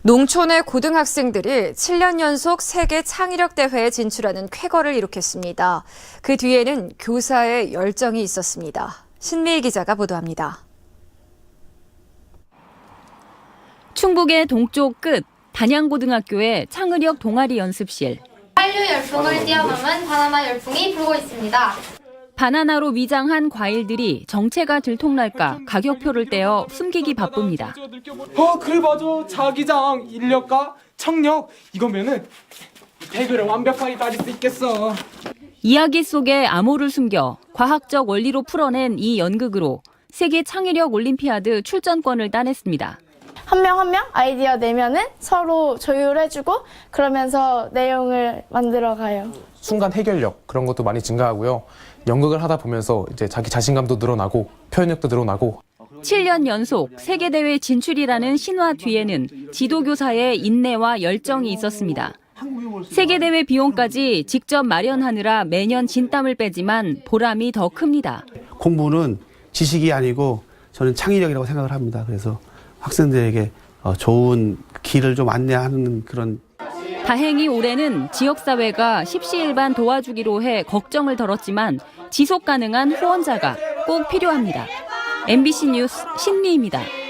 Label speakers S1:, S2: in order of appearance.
S1: 농촌의 고등학생들이 7년 연속 세계 창의력 대회에 진출하는 쾌거를 이룩했습니다. 그 뒤에는 교사의 열정이 있었습니다. 신미희 기자가 보도합니다.
S2: 충북의 동쪽 끝 단양고등학교의 창의력 동아리 연습실.
S3: 한류 열풍을 뛰어넘은 바나나 열풍이 불고 있습니다.
S2: 바나나로 위장한 과일들이 정체가 들통날까 가격표를 떼어 숨기기 바쁩니다.
S4: 그래 맞아. 자기장, 인력과 청력 이거면은 대결을 완벽하게 가질 수 있겠어.
S2: 이야기 속에 암호를 숨겨 과학적 원리로 풀어낸 이 연극으로 세계 창의력 올림피아드 출전권을 따냈습니다.
S5: 한 명 한 명 아이디어 내면은 서로 조율해주고 그러면서 내용을 만들어가요.
S6: 순간 해결력 그런 것도 많이 증가하고요. 연극을 하다 보면서 이제 자기 자신감도 늘어나고 표현력도 늘어나고.
S2: 7년 연속 세계대회 진출이라는 신화 뒤에는 지도교사의 인내와 열정이 있었습니다. 세계대회 비용까지 직접 마련하느라 매년 진땀을 빼지만 보람이 더 큽니다.
S7: 공부는 지식이 아니고 저는 창의력이라고 생각을 합니다. 그래서 학생들에게 좋은 길을 좀 안내하는 그런.
S2: 다행히 올해는 지역사회가 십시일반 도와주기로 해 걱정을 덜었지만 지속 가능한 후원자가 꼭 필요합니다. MBC 뉴스 신미희입니다.